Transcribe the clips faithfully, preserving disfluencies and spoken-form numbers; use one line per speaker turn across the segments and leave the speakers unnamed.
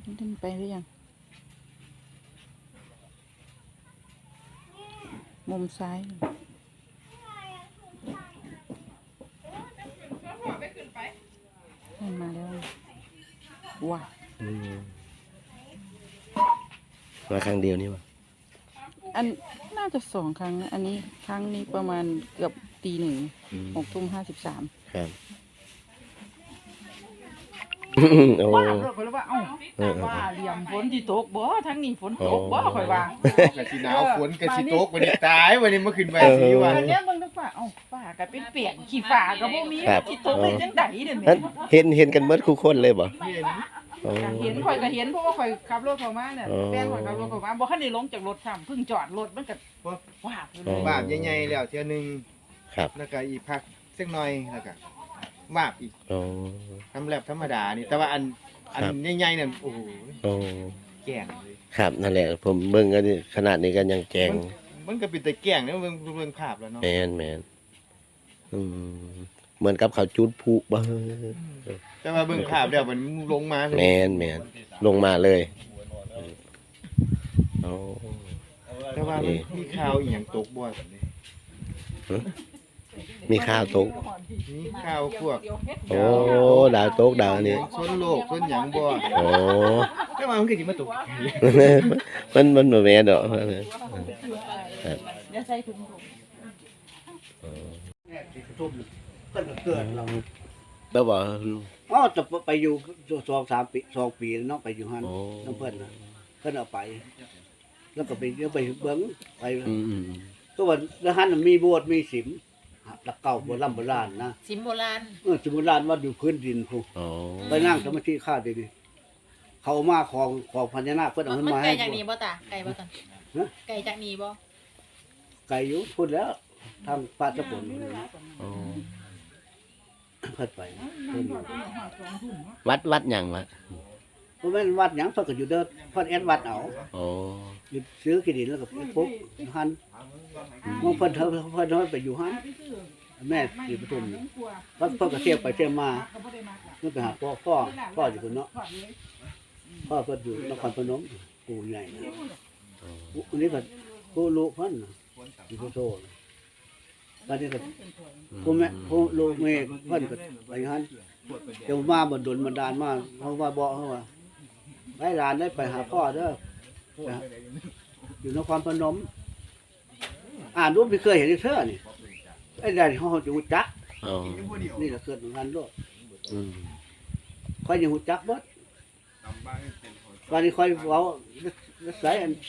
ขึ้นไปหรือยังมุมซ้ายขึ้นมาแล้วว้า
มาครั้งเดียวนี่วะ
อันน่าจะสองครั้งนะอันนี้ครั้งนี้ประมาณเกือบตีหนึ่งหกทุ่มห้าสิบสาม
ครับโอ้
ว่าเราคนละว่าเอ้าว่าเหลี่ยมฝนที่ตกบ่ทั้งนี้ฝนตกบ่ค่อยว่ากะ
สิหนาวฝนกะสิตกวันนี้ตายวันนี้เมื่อคืนวันสิวัน
อันนี้มึงต้องฝ่าเอ้าฝ่าก็เป็นเปียกขี้ฝ่าก็บ่มีที่ตกได้จังได๋เด้อแม่
เห็นเห็นกันเบิดคู่คนเลยบ่
เห็น
เห็นข่อยก็เห็นเพราะว่าข่อยขับรถเข้ามาเนี่ยแฟนข่อยขับรถเข้ามาบ่ทันได้ลงจากรถซ้ำเพิ่งจอดรถมันก็ว้าบเลย
วาบใหญ่ๆแล้วเทื่อนึง
ครับ
แล้วก็อีกพักสักหน่อยแล้วก็วาบอีก
อ๋อ
ทำแลบธรรมดานี่แต่ว่าอันอันใหญ่ๆนั่นโอ้โห
โอ้
แก่งเลย
ครับนั่นแหละผมเบิ่งกันขนาดนี้กันยังแกง
มันก็เป็นแต่แก่งแล้วเบิ่งเบิ่งภาพแล้วเนาะ
แม่นแม่นอืมเหมือนกับเขาจุดพลุบ่
แต่ว่าเบิ่งภาพแล้วมันลงมา
แม่นแม่นลงมาเลยโอ้
แต่ว่ามันมีข่าวอีหยังตกบ่ซั่นนี่
มีข่าวตก
มีข่าวพวก
โอ้ดาวตกดาวนี่
ชนโลกชนหยังบ่
โอ้
แต่ว่ามันคือสิมาตก
มันมันบ่แม่นดอก
อย่าใส่ถุง
ทุ่มก็เกิดเรา
แล้วบ่
อ๋อจะไปอยู่สองสามปีสองปีเนาะไปอยู่ฮั่นน้ำเพิ่นน่ะเพิ่นเอาไปแล้วก็ไปเดี๋ยวไปเบิ่งไปก็ว่าแล้วฮั่นมีโบสถ์มีศิมหลักเก่าโบราณโบราณนะ
ศิมโบราณ
เออศิมโบราณว่าอยู่พื้นดินพุ
อ๋อ
ไปนั่งสมาธิข้าดีๆเขามาของของพญานาคเพิ่นเอาขึ้นมาให้
ไก่จากนี้บ่ตาไก่บ่ตาไก่จากนี้บ่
ไก่อยู่พุ่นแล้วทางป่าตะปน
อ๋อ
เพิ่นไป
วัดวัดหยังวะ
บ่แม่นวัดหยังเพิ่นก็อยู่เด้อเพิ่นแอดวัดเอา
อ๋อ
อยู่ซื้อที่ดินแล้วก็ปุ๊บหันมองเพิ่นเพิ่นเพิ่นไปอยู่หันแม่สิปทุมเพิ่นเพิ่นก็เที่ยวไปเที่ยวมาเพิ่นไปหาพ่อพ่อพ่ออยู่พุ่นเนาะพ่อเพิ่นอยู่นครพนมปู่ใหญ่นะอันนี้ก็ผู้ลูกเพิ่นอยู่โตๆบัดนี้ก็ผู้แม่ผู้ลูกแม่เพิ่นก็ไปหันเดี๋ยวมาบ่ดลบันดาลมาเขาว่าบอกเขาว่าให้หลานได้ไปหาพ่อเด้ออยู่นครพนมอ่านรูปไม่เคยเห็นเธอนี่ไอ้ใดเขาจะหูจักนี่แหละเกิดเหมือนกันด้วยคอยยังหูจักบดวันนี้คอยเว้าใส่อัน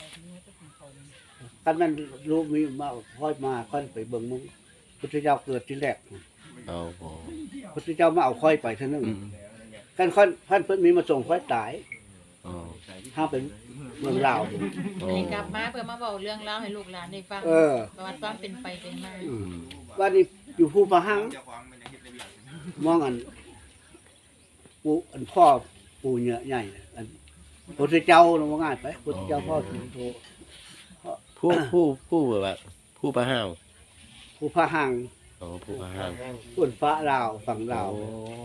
กันมันรูปมีมาคอยมาคอยไปเบิ่งมึงพุทธเจ้าเกิดที่แรกพุทธเจ้ามาเอาคอยไปเท่านั้นกันคอยท่านเพิ่นมีมาส่งคอยตายห้าเป็นเมืองลาว
นี่กลับมาเพื่อมาบอกเรื่องเล่าให้ลูกหลานได้ฟังประวัติความเป็นไปเป็นมา
วันนี้อยู่ภูพะหังมองอันปูอันพ่อปูเนื้อใหญ่อันพุทธเจ้าลงง่ายไปพุทธเจ้าพ่อสุโธ
ผู้ผู้ผู้แบบผู้พระห้าว
ภูพะหัง
อ๋อผู้พระห้าง
คนฟ้าลาวฝั่งลาว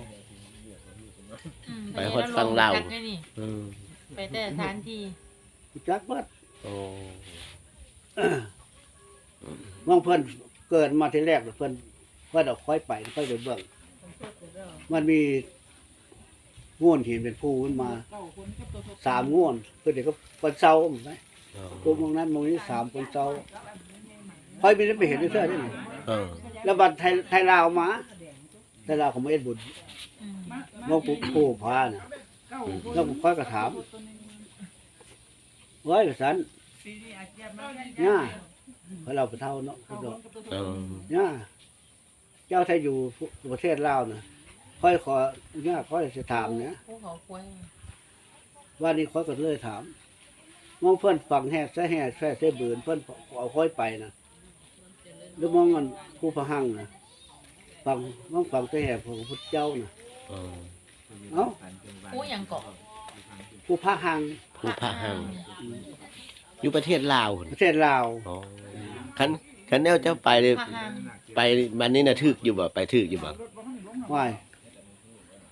ไปฮอดฝั่งลาว
ไปแต่สถานที่
จักวัด
โอ้
มองเพิ่นเกิดมาทีแรกเพิ่นเพิ่นเอาค่อยไปค่อยไปเบิ่งมันมีง่วนหินเป็นภูขึ้นมาสามง่วนเพิ่นเด็กก็เพิ่นเซาไหมตัวมองนั้นมองนี้สามเพิ่นเซาค่อยมีได้ไปเห็นด้วยเสื้อได้แล้วบัดไทยไทยลาวมาไทยลาวเขาไม่เอ็ดบุญมองปุ๊บโผล่พาเนี่ยแล้วผมค่อยกระถามไว้กับฉันเนี่ยเพราะเราไปเท่าเนาะพุทธเนี่ยเจ้าไทยอยู่ประเทศลาวนะค่อยขอเนี่ยค่อยจะถามเนี่ยว่านี่ค่อยก็เลยถามมองเพื่อนฟังแห่แซ่แห่แซ่แซ่เบือนเพื่อนเอาค่อยไปนะหรือมองมันผู้พะหังนะฟังมองฟังแซ่แห่ของพุทธเจ้านะเอ้า
ผู้ยังเกาะ
ผู้พะหัง
ผู้พระหังอยู่ประเทศลาว
ประเทศลาว
คันคันแนวเจ้าไปเลยไปมันนี่น่ะทึกอยู่บ่ไปทึกอยู่บ่
ว่าย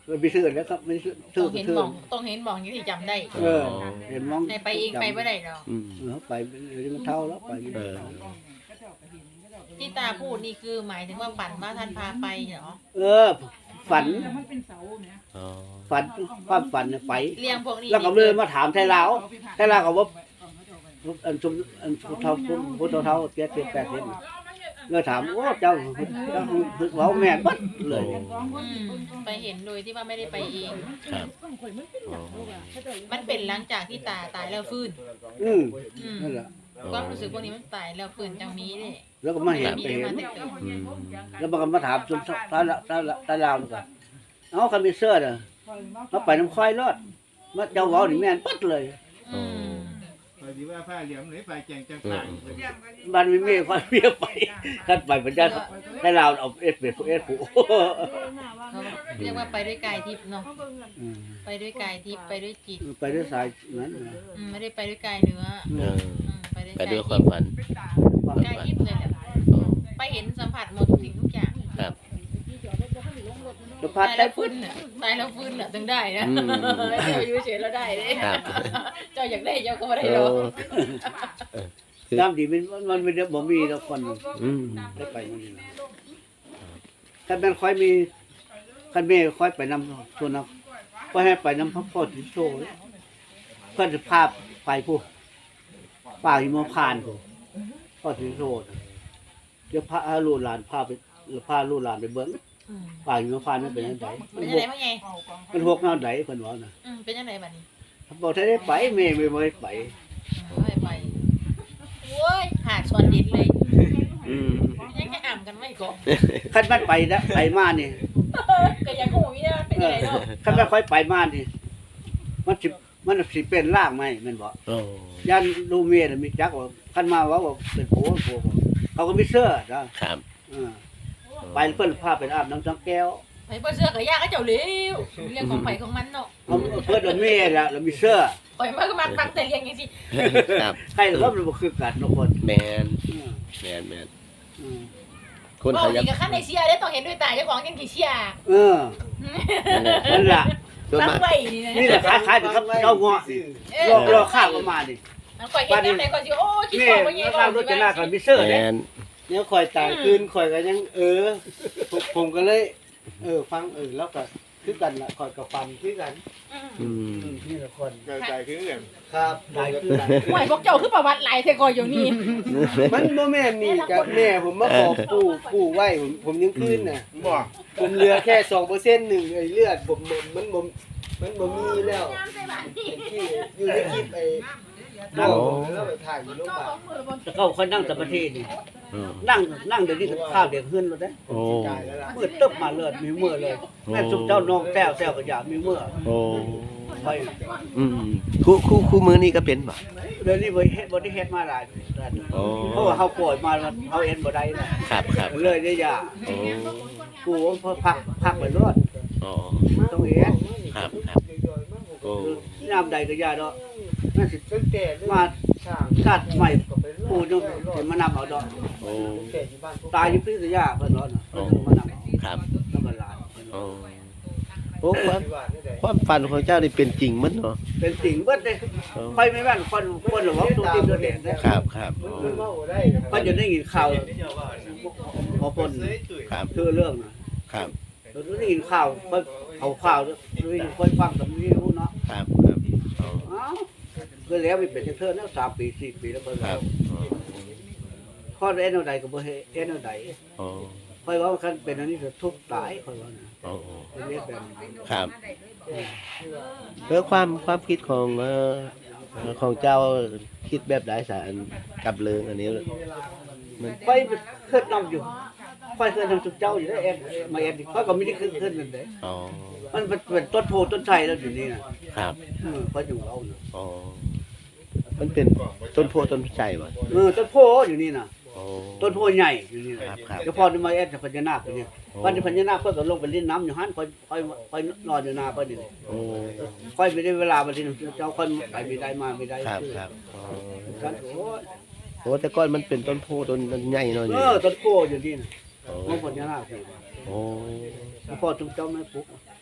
ไปซื้อแล้วครับไม่ซื้อ
ต้
ซื้
อ
อง
เห็น
ซื้อ
หมองต้องเห็นหมองอย่างที่จำได้
เออเห็นมอง
ในไปเองไปบ่ได้ดอก
อืม
เออไปเดี๋ยวมันเท่าแล้วไป
เออ
ที่ตาพูดนี่คือหมายถึงว่าฝันว่าท่านพาไปเหรอ
เออ ฝัน
มันเป็นเสาเนี่ย
อ๋อ
ฝันความฝันเนี่ยไป
เลี้ยงพวกนี้
แล้วก็เลยมาถามไทยลาวไทยลาวก็ว่าอันชุมอันพุทธเท่าพุทธเท่าเจ็ดสิบแปดสิบเลยถามโอ้เจ้าเจ้าเว้าแม่นบัดเลย
อืมไปเห็นโดยที่ว่าไม่ได้ไปเอง
ครับอ๋อ
มันเป็นหลังจากที่ตาตายแล้วฟื้น
อืม
อืม
นั่นแหละ
ความรู้สึกพวกนี้มันตายแล้วฟื้นจังมีเด้
แล้วก็มาเห็น
มี
ไปเห็น
มาแต่เกิด
อืม
แล้วมันก็มาถามชุมตาละตาละตาลาวนี่ก็เอ้าคันมีเสื้อน่ะมาไปน้ำควายรอดมาเจ้าเว้านี่แม่นปัดเลย
อืม
ไปดีว่าผ้าเหลี่ยมหรือไปแจงจังตาย
บ้านมีเมียควายเมียไปคันไปเป็นญาติไทยลาวเอาเอสเปดเอสผู้
เขาเรียกว่าไปด้วยกายทิพย์เนาะ
อืม
ไปด้วยกายทิพย์ไปด้วยจิต
ไปด้วยสายนั้นนะ
อืมไม่ได้ไปด้วยกายเนื้อ
เออ
อืมไปด้วย
ไป
กาย
ด้วย
ทิ
ความ
พย์
ฝัน
กายทิพย์เลยแหละ
อ๋อ
ไปเห็นสัมผัสหมดทุกสิ่งทุกอย่าง
ครับ
จะพั
ตา
ด
ย
ได้
แล้วฟื้นน่ะตายแล้วฟื้นน่ะถึงได้นะ
อืม
เจ้าอยู่เฉยแล้วได้เด้
ครับ
เจ้าอยากได้เจ้าก็ไม่ได้
เอ
หรอก
อ
ตามที่มันมันไม่ได้บ่มีแล้วคน
อืม
ได้ไปมันนี่นะคันแม่นค่อยมีคันแม่ค่อยไปนำส่วนนั้นก็ให้ไปนำพ่อพ่อที่โซ่เพื่อนจะพาไปผู้ป่าหิมพานต์ผู้พ่อที่โซ่น่ะเดี๋ยวพาลูกหลานพาไปพาลูกหลานไปเบิ่ง
อืม
ป่าหิมพานต์มันเป็นจังได
เป็นยังไงพ่อไง
มันหกแนวใดเพิ่นว่าน่ะ
อืมเป็นยังไงบัดนี้
บอกถ้าได้ไปแม่ไม่บ่ได้ไป
ไม่ไปโว้ยหาดสวนดินเลย
อืม
ยังจะอ่ำกันไม่ก่อน
คันมันไปนะไปมานี่
ก็ยังหูนี่นะเป็นยังไงเนาะ
คันมันค่อยไปมานี่มันสิมันสิเป็นร่างไหมแม่นบ่
โอ้
ยันลูเมียน่ะมีจักว่าคันมาว่าว่าเป็นโผโผเขาก็มีเสื้อนะครับ เออไปเพิ่นพาไปอาบน้ำจังแก้ว
ไปเปิดเสื้อกับยากก็เจ้าเลี้ยวเรื่องของไผ่ของมันเนาะ
เอาเพิ่นเอาเมียละแล้วมีเสื้อ
ปล่อยมาก็มาฟังแต่เรียงอย่างสิ
ครับ
ใครก็มันบ่คือกันเนาะคน
แมน
อืม
แมนแมน
อืม
คน
บอ
เขา
ก
อยา
ดี
ก
กับขั้นในเชียร์ได้ต้องเห็นด้วยตาเจ้าของยังกี่เชียร์
เออนั่นล่ะ
ส่วน
ตั้ง
มาก
ไว้นี่นะ
นี่แหละคล้ายๆกับเจ้าเงาะ
เอ
ร
อ
อรอข้าวประมาณนี่
มันก่อยเห็นน้ำไหนก่อนสิโอ้คิด
นี่
ของว่าเงี้ย
ข้าวรถจะหน้าก็มีเสื้อ
แม
เด้
น
เนี่ยคอยตายคืนคอยก็ยังเออผมผมก็เลย เออฟังเออแล้วก็คือกันละคอยกับฟันคือกัน
อืม
อืมนี่ละคน
กระจายขึ้นเรื่อง
ครับได้คือกัน
ห่วยพวกเจ้าคือประวัติหลายเทกอยอยู่นี่
มันบ่แม่นนี่กับแม่ผมมาขอปู่ปู่ไว้ผมผมยังคืนน่ะ
บอก
ผมเหลือแค่สองเปอร์เซ็นต์หนึ่งไอ้เลือดผมมันมันบ่มันบ่มีแล้วที่อยู่ในคลิปไอ้น้องผมแล้วไปถ่ายอยู่โรงพยาบาล
จะเข้าคนนั่งสมาธินี่
อืม
นั่งนั่งเดี๋ยวนี้ก็ข้าวเด็กขึ้นแล้วเด้
โอ้
ตายแล้วล่ะ
มืดตึ๊บมาเลยมีเมื่อเลยแม่สุกเจ้าน้องแต้วแต้วก็อยากมีเมื่อ
โอ้
ไป
อืมคู่คู่คู่มือนี่ก็เป็นป่ะ
เดี๋ยวนี้บ่เฮ็ดบ่ได้เฮ็ดมาหลายแล้ว
โอ้
เพราะว่าเฮาป่วยมามันเฮาเอ็นบ่ได้นะครับ
ครับ
เลยได้ยา
โอ้
กูพอพักพักไปรอด
อ๋อ
ต้องเอ็น
ครับครับโอ้
ยามใดก็ยาดอกนั่นสิ
ตั้งแต่เรื่อง
มา
สร้าง
กัดใหม่
ก็ไปรอด
กูยังสิมานำเอาดอก
โอ้
แต่อยู่บ้านพวก
ตายอยู่พิษยาเพิ่นว่าน่ะเพิ่นมานำเอา
ครับ
ธรรมดา
โอ้โอ้ความ
ที่บ้านนี่แหละ
ความฝันของเจ้านี่เป็นจริงมั้ยเนาะ
เป็นสิ่งเบิดเด้ค่อยไม่แม่นคนคนหรอกว่าตัวจริงตัวเด่นเด้
ครับครับ
มันมันเว้าได้
ก็จะได้ยินข่าวพอปน
ครับ
คือเรื่องนะครับ เราได้ยินข่าวค่อยเอาข่าวด้วยค่อยฟังกับนี้รู้เนาะ
ครับครับอ๋อ
อ้าวก็แล้วไปเป็นเทื่อแล้วสามปีสี่ปีแล้วเพิ่น
ครับ
ข้อเอ็นเอาใดก็บ่เฮ็ดเอ็นเอาใด
อ๋อ
ค่อยว่าคันเป็นอันนี้จะทุกข์ตายค่อยว่านะ
อ๋อ
เป็นเรียกแบบนี้
ครับเพื่อความความคิดของเอ่อของเจ้าคิดแบบไหนสารกับเรื่องอันนี้มัน
ค่อยเคลื่อนนำอยู่ค่อยเคลื่อนนำสุดเจ้าอยู่แล้วเอ็นมาเอ็นค่อยก็ไม่ได้เคลื่อนเคลื่อนนั่นเด้
อ๋อ
มันเป็นต้นโพต้นไทรแล้วอยู่นี่นะครับ เออค่อยอยู่เอาน่ะ
อ๋อมันเป็นต้นโพต้นไทรวะ
เออต้นโพอยู่นี่น่ะ
อ๋อ
ต้นโพใหญ่อยู่นี่นะครับ
ครับ
เดี๋ยวพอจะมาเอ็ดจะพญานาคอยู่นี่
โอ้
วันที่พญานาคเพิ่นก็ลงไปเล่นน้ำอยู่หั่นค่อยค่อยค่อยนอนอยู่นาเพิ่นนี่
โอ้
ค่อยไม่ได้เวลาบัดนี้เจ้าค่อยไปไม่ได้มาไม่ได้
ครับครับอ๋อ
กันโอ้ย
โอ้แต่ก่อนมันเป็นต้นโพต้นมันใหญ่เนาะ
เอ
นี่
อต้นโพอยู่นี่น่ะ
โอ้
มันพญานาคอยู่
โอ้
พ่อทุกเจ้าไม่ปุ๊บ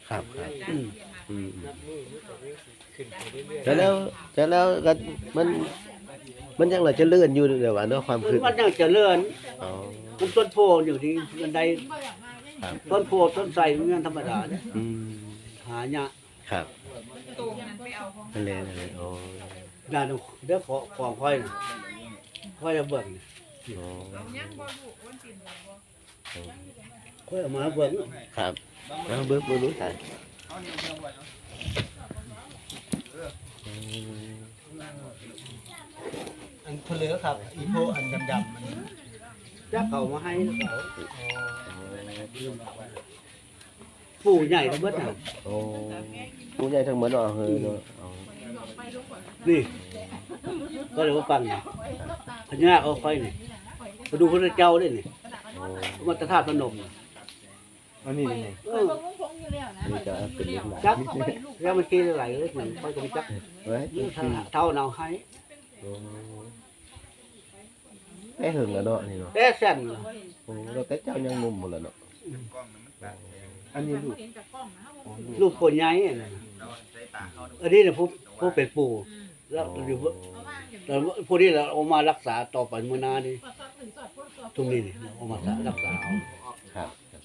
ครับครับ
อืม
อืม
นับมือมันก็ขึ้นไปเรื่อย
แต่แล้วแต่แล้วก็มัน มันยังเหลือจะเลื่อนอยู่เดี๋ยวว่าเนาะความ
มัน
ขึ้น
มันยังเจริญ
อ๋อ
มันต้นโพอยู่ที่บันได
ครับ
ต้นโพต้นไทรมันยังธรรมดาเนี่ย
อืม
หายาก
ครับนั่นแหละนั่นแหละอ๋อ
ด้านเดี๋ยวขอของค่อยน่ะค่อยจะเบิ่งนี่
อ๋อ
ค่อยเอามาเบิ่ง
ครับแล้วเบิ่งเบิ่งรู้จักอืม
ๆอันเพลือครับ อีโพอันดำๆมัน
จักเขามาให้เขาปู่ใหญ่ก็เบิดน่ะ
โอ้ผู้ใหญ่ทั้งหมดเนาะเฮ้ยเนาะอ๋อ
นี่ก็เลยว่าฟังนี่พญาเอาค่อยนี่มาดูพระเจ้าด้วยนี่
โอ้
มาตรธาตุพนมน่ะ
อันนี้นี่
เออ
นี่ก็เป็นเรื่องหลาย
จักแล้วมันขี้ไหลเลยมันค่อยก็ไม่จัก
เว้ย
เท่าเนาให้
โอ้ไอ้หึงแล้วเนาะนี่เนาะ
แต่เส้นน่ะ
โอ้เราแต่เจ้ายังหนุ่มหมดแล้วเนาะ
อันนี้ลูก
ลูกคนใหญ่น่ะอันนี้น่ะผู้ผู้เป็นปู่แล้วอยู่แล้วผู้นี้เราเอามารักษาต่อไปมื้อหน้านี่ตรงนี้นี่เอามารักษาเอา
ครับ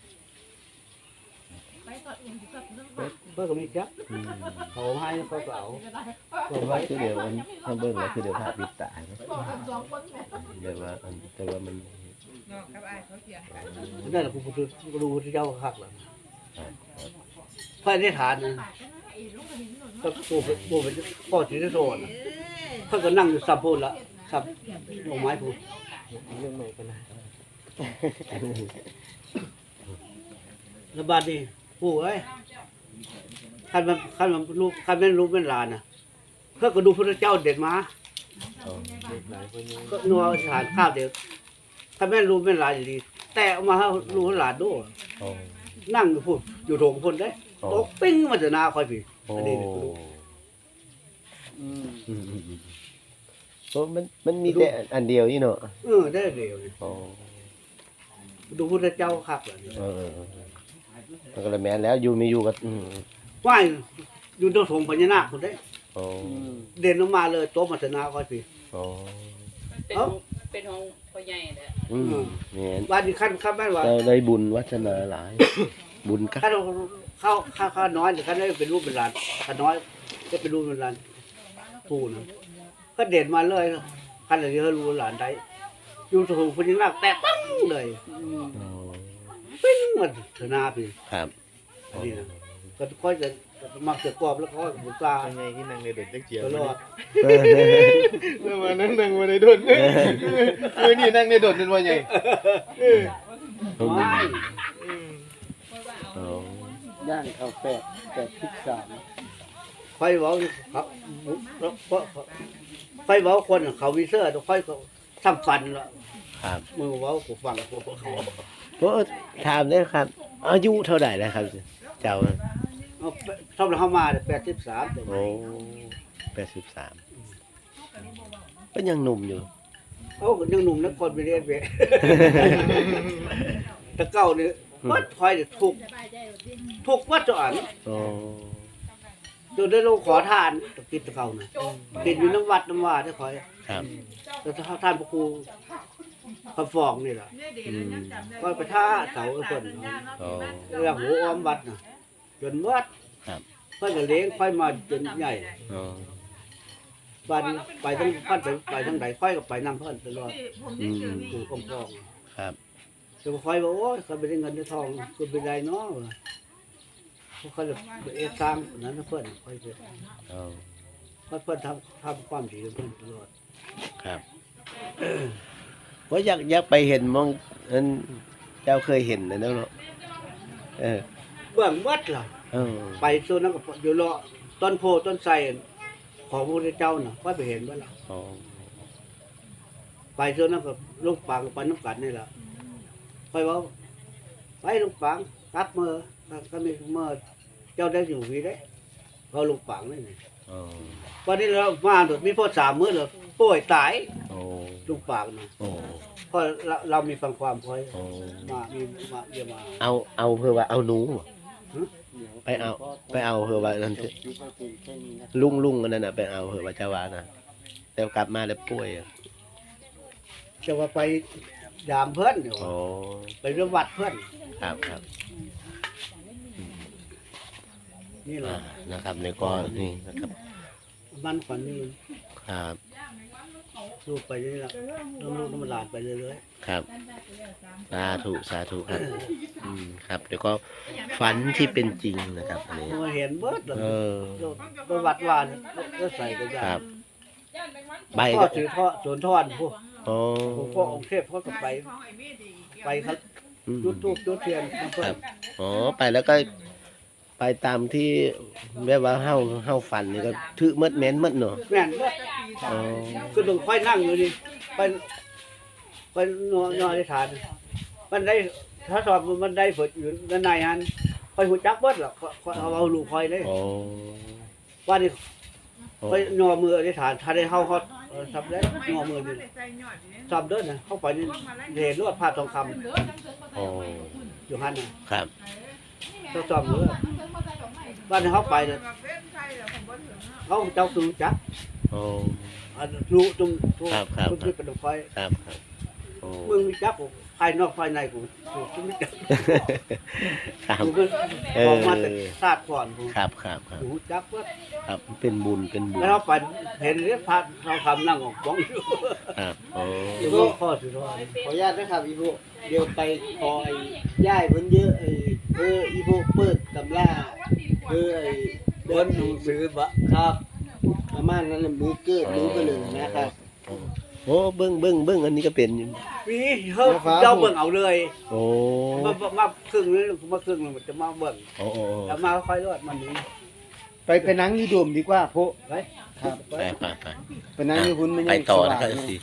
เพิ่นก็มีจัก
อืม
เขาให้เขาก็เอา
ก็ว่าคือเดี๋ยวมันถ้าเบิ่งแล้วคือเดี๋ยวภาพปิดตาเนาะเดี๋ยวว่าอันแต่ว่ามัน
นั่นแหละผู้ผู้ผู้รู้ที่เจ้าคักล่ะพระอธิษฐานนะก็ปู่เป็นปู่เป็นพ่อสิริโสน่ะเพิ่นก็นั่งอยู่ซับโพดละซับดอกไม้พูด
เรื่องใหม่กันนะ
แล้วบัดนี้ปู่เอ้ยคันมันคันมันรู้คันแม่นรู้เป็นหลานน่ะเพิ่นก็ดูพระเจ้าเด็ดมา
อ๋อ
หลายคนยัง
ก็นัวทานข้าวเดียวคันแม่นรู้เป็นหลานอยู่ดีแต่เอามาให้รู้ให้หลานดู
อ๋อ
นั่งอยู่พูดอยู่โถงพุ่นได้
อ๋อ
ตกปิ้งมาจะหน้าค่อยพี่
โอ้
อันนี้นี่ก็รู้
อืม
อืมอืมอืมโอ้มันมันมีแต่อันเดียวนี่เนาะ
เออได้เร็วนี่
อ๋อ
ดูพระเจ้าคักเลย
เออเออเออมันก็เลยแม่นแล้วอยู่ไม่อยู่ก็อืม
ว่ายอยู่ตรงโถงพญานาคพุ่นได้
อ๋อ
เด่นลงมาเลยโต๊ะมาจะหน้าค่อยพี่
อ๋อ
เป็นของเป็นของพ่อใหญ่แหละ
อืมแม่น
วันนี้ขั้นขั้นแม่นว่า
เราได้บุญวัฒนาหลาย บุญคัก
ขั้นเข้าข้าข้าน้อยแต่ขั้นได้เป็นรูปเป็นหลานข้าน้อยก็เป็นรูปเป็นหลานปู่นะก็เด่นมาเลยขั้นอะไรเขารู้หลานได้อยู่ตรงพญานาคแตะปั้งเลย
อ๋อ
ปิ้งมันเถอะหน้าพี่
ครับ
อันนี้นะก็ค่อยจะมักจะกรอบแล้วก็บุตา
ยังไงที่นางในโดดจักเจียว
ตลอด
เออ
เมื่อวานนั่งนั่งมาในโดดเมื่อนี่นั่งในโดดเป็นว่าไง
ไม่
อ๋อ
ย่างข้าวแปดแปดสิบสาม
ค่อยบอกครับเพราะค่อยบอกคนเขาวิเซอร์ค่อยเขาทำฟันละ
ครับ
มือบอกกูฟังกูเขา
โอ้ถามได้ครับ อายุเท่าไหร่แล้วครับ เจ้า
เอาชอบเข้ามาแปดสิบสาม
โอ้แปดสิบสามก็ยังหนุ่มอยู่
เขายังหนุ่มนักคนไปเรียนไปตะเก้าเนี่ยวัดคอยถูกถูกวัดจอัน
โอ้
จนได้ลงขอทานตะกิดตะเก้านะกินอยู่น้ำวัดน้ำว่าได้คอย
ครับ
แล้วถ้าท่านพระครูคำฟองนี่แหละ
อืม
ก็ไปท่าเสาเพิ่น
โอ้
เรื่องหัวอ้อมวัดน่ะจนวัด
ครับ
เพิ่นก็เลี้ยงค่อยมาจนใหญ่
โอ้
บ้านไปทั้งพันไปไปทั้งใดค่อยก็ไปนำเพิ่นตลอด
อืม
คือคำฟอง
ครับ
แต่ค่อยบอกโอ้ยเขาไปได้เงินได้ทองคือไปได้เนาะพวกเขาจะไปเอ็กซ์สร้างนั้นนะเพิ่นค่อยจะ
โอ้
ค่อยเพิ่นทำทำความดีกับเพิ่นตลอด
ครับว่าอยากอยากไปเห็นมองอันเจ้าเคยเห็นนะเนาะเออ
เบื้องวัดล่ะ
เออ
ไปโซนนั้นก็อยู่รอต้นโพต้นไทรของพระพุทธเจ้าน่ะค่อยไปเห็นบ่ล่ะ
อ๋อ
ไปโซนนั้นก็ลูกปังไปน้ำกัดนี่ล่ะค่อยเว้าไปลูกปังกลับมือก็มีมือเจ้าได้อยู่วีได้เขาลูกปังนี่นี่
อ๋อ
วันนี้เรามาโดดมีพ่อสามมื้อแล้วป่วยตาย
โอ้
ลูกปังน่ะ
โอ้
เพราะเราเรามีฟังความค่อย
โอ้
มามีมาเยี่ยมมา
เอาเอาเพื่อว่าเอาหนูไปเอาไปเอาเหอะว่านั่นเถอะลุงลุงอันนั้นน่ะไปเอาเหอะว่าเจ้าว่านะแต่กลับมาแล้วป่วยอะ
จะว่าไปยามเพื่อนอยู่
อ๋อ
ไปเรื่องวัดเพื่อน
ครับครับ
นี่แห
อ่า
ละ
นะครับในก็นี่นะครับ
มันฝันนี่
ครับ
ลูกไปนี่แหละต้องลูกต้องหลานไปเรื่อย
ครับสาธุสาธุครับอืมครับเดี๋ยวก็ฝันที่เป็นจริงนะครับอันนี้
ๆมาเห็นเบิดเลย
เออ
ไปวัดวานก็ใส่กันยา
ครับใบ
พ่อ
ก็
ถือพ่อสวนทอนพวก
โอ้
พ่อองค์เทพพ่อก็ไปไปครับ
อืม
จุดทูบจุดเทียน
ครับอ๋อไปแล้วก็ไปตามที่แบบว่าเฮาเฮาฝันนี่ก็ถือมดแม่นมดเนาะ
แม่นเบิด
อ๋อ
คือต้องค่อยนั่งอยู่นี่ไปไปนอนนอนในฐานมันได้ถ้าสอบมันได้ฝดอยู่ด้านในฮันคอยหูจักเบิดหรอกเอาเอาลูกคอยเลย
โอ้
ว่านี่
โอ้
ไปนอมือในฐานถ้าได้เข้าเขาทำได้นอมือนี่ทำเด้อนะเข้าไปนี่เห็นรวดผ้าทองค
โอ้
ำอยู่ฮันน่ะ
ครับ
ต้องจอมเรือว่านี่เขาไปเนี่ยเขาเจ้าคือจัก
โอ้
อันรู้ตรงตรง
ครับครับ
ตรงที่เป็นไฟ
ครับครับโอ้
มึงมีจักกูภายนอกภายในกูกูไม่จัก
ครับ
กูก็
เอ
อ
อ
อกมาแต่ชาติก่อนกู
ครับครับครับ
กูจักว่า
ครับเป็นบุญเป็นบุญ
แล้วเขาไปเห็นเรื่องพระเราทำนั่งของบ้องอยู่
ครับโอ้
อยู่ก็ข้อสุดท้าย
ขออนุญาตนะครับอีพวกเดี๋ยวไปขอไอ้ย่ายเพิ่นเยอะไอ้เอออีพวกเปิดตำราเออไอ้เดินหนังสือบะครับประมาณนั้นน่ะมือเกิดมือก็เลยนะครับ
โอ้เบิ้งเบิ้งเบิ้งอันนี้ก็เป็นอยู่
มีเฮ้ยเจ้าเบิ่งเอาเลย
โอ้
มามาครึ่งนึงมาครึ่งนึงมันจะมาเบิ่ง
โอ้โอ้
แล้วมาค่อยรอดมันนี้
ไปไปนั่งอยู่โดมดีกว่าโพ
ไป
ครับ
ไปไปไป
ไปนั่งอยู่หุ่นมัน
ไป
ยัง
ต่อ
ส
นะ
ว่า
ครับ
ง
สิ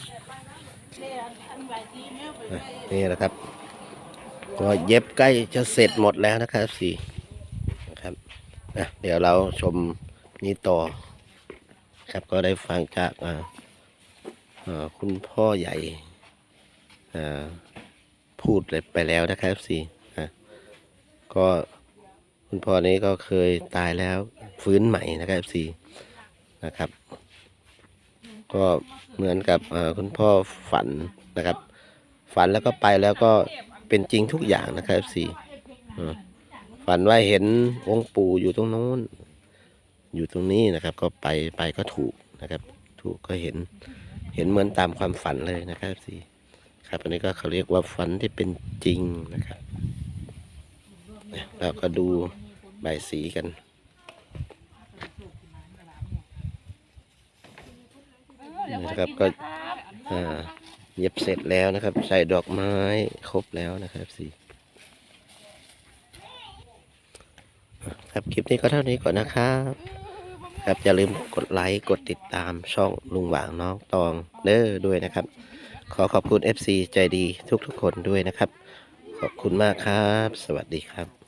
นี่แหละครับก็เย็บใกล้จะเสร็จหมดแล้วนะครับสี่นะครับนะเดี๋ยวเราชมนี้ต่อ ครับก็ได้ฟังจากอ่าอ่าคุณพ่อใหญ่อ่าพูดไปแล้วนะครับสี่นะก็คุณพ่อนี้ก็เคยตายแล้วฟื้นใหม่นะครับสี่นะครับ ก็เหมือนกับอ่าคุณพ่อฝันนะครับ ฝันแล้วก็ไปแล้วก็เป็นจริงทุกอย่างนะครับสี่ฝันว่าเห็นองค์ปู่อยู่ตรงโน้นอยู่ตรงนี้นะครับ ก็ไปไปก็ถูกนะครับ ถูกก็เห็นเห็นเหมือนตามความฝันเลยนะครับสี่ครับอันนี้ก็เขาเรียกว่าฝันที่เป็นจริงนะครับเราก็ดูใบสีกันนะครับก็อ่าเย็บเสร็จแล้วนะครับ ใส่ดอกไม้ครบแล้วนะครับสี่ครับคลิปนี้ก็เท่านี้ก่อนนะครับครับอย่าลืมกดไลค์กดติดตามช่องลุงหว่างน้องตองเด้อด้วยนะครับ ขอขอบคุณ เอฟ ซี ใจดีทุกๆคนด้วยนะครับ ขอบคุณมากครับ สวัสดีครับ